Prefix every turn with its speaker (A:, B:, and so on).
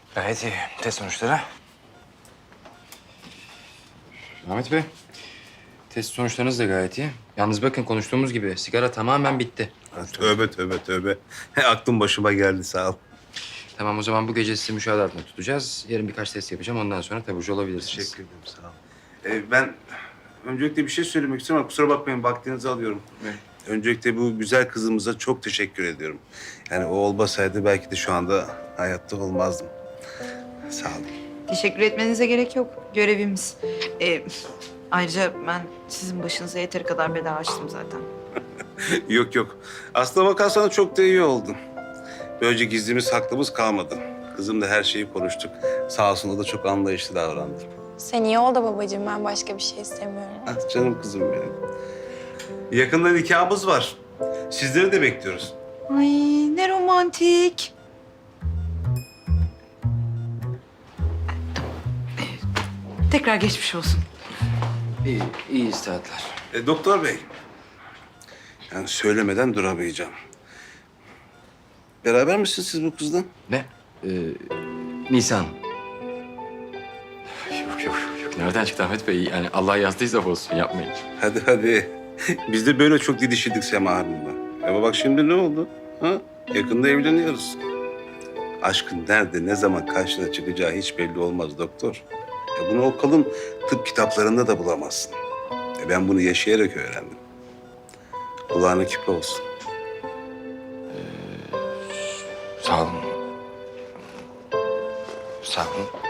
A: Gayet iyi. Test sonuçları. Ahmet Bey, test sonuçlarınız da gayet iyi. Yalnız bakın konuştuğumuz gibi sigara tamamen bitti.
B: Ha, tövbe tövbe tövbe. Aklım başıma geldi sağ ol.
A: Tamam o zaman bu gece sizi müşahede altında tutacağız. Yarın birkaç test yapacağım. Ondan sonra taburcu olabilirsiniz.
B: Teşekkür ederim sağ ol. Ben öncelikle bir şey söylemek istiyorum ama kusura bakmayın vaktinizi alıyorum.
A: Evet.
B: Öncelikle bu güzel kızımıza çok teşekkür ediyorum. Yani o olmasaydı belki de şu anda hayatta olmazdım. Sağ olun.
C: Teşekkür etmenize gerek yok. Görevimiz. Ayrıca ben sizin başınıza yeteri kadar bela açtım zaten.
B: Yok yok. Aslına bakarsan çok da iyi oldu. Böylece gizlimiz saklımız kalmadı. Kızımla her şeyi konuştuk. Sağ olsun o da çok anlayışlı davrandı.
D: Sen iyi ol da babacığım, ben başka bir şey istemiyorum.
B: Ah canım kızım benim. Yakında nikahımız var. Sizleri de bekliyoruz.
C: Ay ne romantik. Tekrar geçmiş olsun.
A: İyi, iyi istihatlar.
B: Doktor bey. Yani söylemeden duramayacağım. Beraber misiniz siz bu kızla?
A: Ne? Nisan. Yok yok yok. Nereden çıktı Ahmet Bey? Yani Allah yazdıysa olsun yapmayın.
B: Hadi hadi. Biz de böyle çok didişirdik Sema Hanım'la. Ama bak şimdi ne oldu? Ha? Yakında evleniyoruz. Aşkın nerede, ne zaman karşına çıkacağı hiç belli olmaz doktor. Bunu o kalın tıp kitaplarında da bulamazsın. Ben bunu yaşayarak öğrendim. Kulağına küpe olsun.
A: Sağ olun. Sağ olun.